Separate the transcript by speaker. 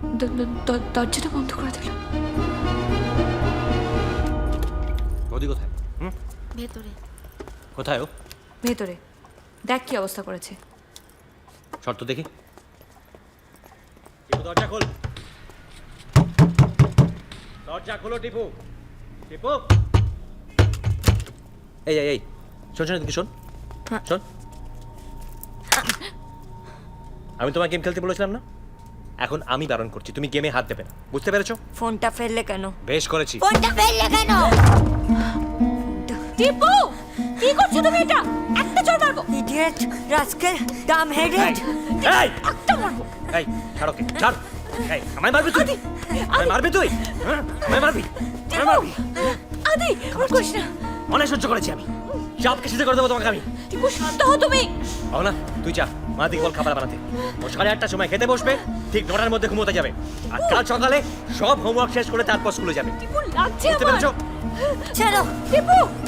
Speaker 1: দরজাটা বন্ধ করে দিল।
Speaker 2: বৌদি কোথায়?
Speaker 3: ভেতরে।
Speaker 2: কোথায় ও?
Speaker 1: ভেতরে। দেখ কি অবস্থা করেছে।
Speaker 2: শর্ত দেখি। টিপু দরজা খোল, দরজা খোলো টিপু। টিপু এই এই এই শোন শোন এদিকে শোন শোন। আমি তোমার গেম খেলতে বলেছিলাম না, এখন আমি বারণ করছি, তুমি গেমে হাত দেবে না, বুঝতে পেরেছো?
Speaker 3: ফোনটা ফেললে কেন?
Speaker 2: বেশ করেছি।
Speaker 3: ফোনটা ফেললে কেন?
Speaker 1: টিপু কি করছো তুমি? এটা একটা চড় মারবো।
Speaker 3: Idiot, rascal, dumb headed.
Speaker 2: এই
Speaker 1: একটা মারবো।
Speaker 2: এই ছাড় ওকে, ছাড়। এই আমায় মারবি তুই? আমায় মারবি তুই? হ্যাঁ আমায় মারবি? আমায় মারবি?
Speaker 1: আদি ওর করিস না।
Speaker 2: অনেক সহ্য করেছি আমি, সবকে সিদ্ধ করে দেবো তোমাকে আমি।
Speaker 1: টিপু শান্ত হও তুমি।
Speaker 2: না তুই যা, মা দিকে বল খাবার বানাতে। ও 8:30টার সময় খেতে বসবে, ঠিক 9টার মধ্যে ঘুমোতে যাবে, আর কাল সকালে সব হোমওয়ার্ক শেষ করে তারপর স্কুলে যাবে।
Speaker 1: টিপু লাগছে
Speaker 2: বুঝতে
Speaker 1: আমার।
Speaker 2: পেরেছো?
Speaker 3: চলো।
Speaker 1: টিপু